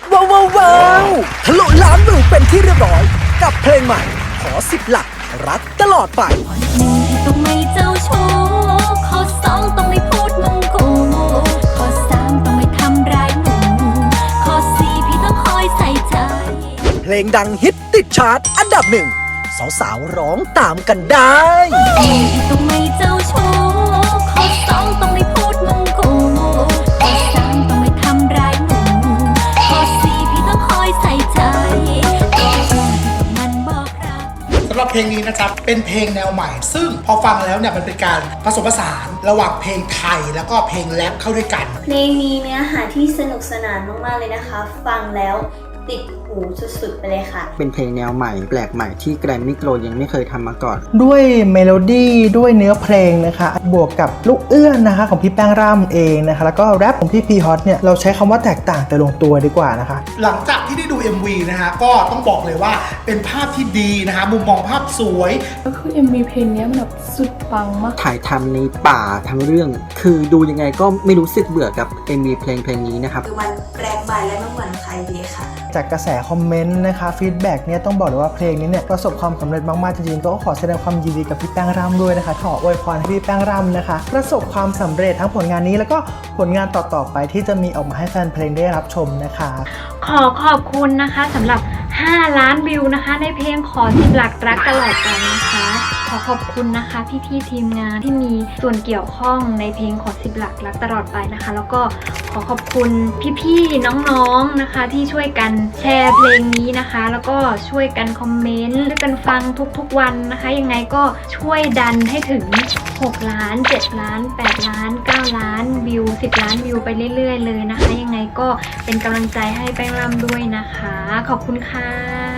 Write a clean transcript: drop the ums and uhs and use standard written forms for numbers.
ว้าวทะลุล้านวิวเป็นที่เรียบร้อยกับเพลงใหม่ขอ10 หลักรักตลอดไป 1ต้องไม่เจ้าชู้ข้อ2ต้องไม่พูดมึงกูข้อ3ต้องไม่ทำร้ายหนูข้อ4พี่ต้องคอยใส่ใจเพลงดังฮิตติดชาร์ตอันดับ1สาวๆร้องตามกันได้ต้องไม่เจ้าชู้ข้อ2ต้องไม่พูดมึงกูข้อ3ต้องไม่ทำร้ายหนูข้อ4พี่ต้องคอยใส่ใจมันบอกรักสำหรับเพลงนี้นะครับเป็นเพลงแนวใหม่ ซึ่งพอฟังแล้วเนี่ยมันเป็นการผสมผสานระหว่างเพลงไทยแล้วก็เพลงแรปเข้าด้วยกันเพลงนี้เนื้อหาที่สนุกสนานมากๆเลยนะคะฟังแล้วติดหูสุดๆไปเลยค่ะเป็นเพลงแนวใหม่แปลกใหม่ที่แกรมมี่โกลด์ยังไม่เคยทำมาก่อนด้วยเมโลดี้ด้วยเนื้อเพลงนะคะบวกกับลูกเอื้อนนะคะของพี่แป้งร่ำเองนะคะแล้วก็แรปของพี่พีฮอตเนี่ยเราใช้คำว่าแตกต่างแต่ลงตัวดีกว่านะคะหลังจากที่ได้ดู MV นะฮะก็ต้องบอกเลยว่าเป็นภาพที่ดีนะคะมุมมองภาพสวยก็คือ MV เพลงนี้มันแบบสุดปังมากถ่ายทำในป่าทั้งเรื่องคือดูยังไงก็ไม่รู้สึกเบื่อกับ MV เพลงนี้นะครับคือมันแปลกใหม่และไม่เหมือนใครดีค่ะจากกระแสคอมเมนต์นะคะฟีดแบ็กเนี่ยต้องบอกเลยว่าเพลงนี้เนี่ยประสบความสำเร็จมากๆจริงๆก็ขอแสดงความยินดีกับพี่แป้งร่ำด้วยนะคะขออวยพรให้พี่แป้งร่ำนะคะประสบความสำเร็จทั้งผลงานนี้แล้วก็ผลงานต่อๆไปที่จะมีออกมาให้แฟนเพลงได้รับชมนะคะขอบคุณนะคะสำหรับ5 ล้านวิวนะคะในเพลงขอ10 หลักรักตลอดไปนะคะขอบคุณนะคะพี่ๆทีมงานที่มีส่วนเกี่ยวข้องในเพลงขอ10 หลักรักตลอดไปนะคะแล้วก็ขอบคุณพี่ๆน้องๆนะคะที่ช่วยกันแชร์เพลงนี้นะคะแล้วก็ช่วยกันคอมเมนต์ช่วยกันฟังทุกๆวันนะคะยังไงก็ช่วยดันให้ถึง6 ล้าน7 ล้าน8 ล้าน9 ล้านวิว10 ล้านวิวไปเรื่อยๆเลยนะคะยังไงก็เป็นกำลังใจให้แป้งร่ำด้วยนะคะขอบคุณค่ะ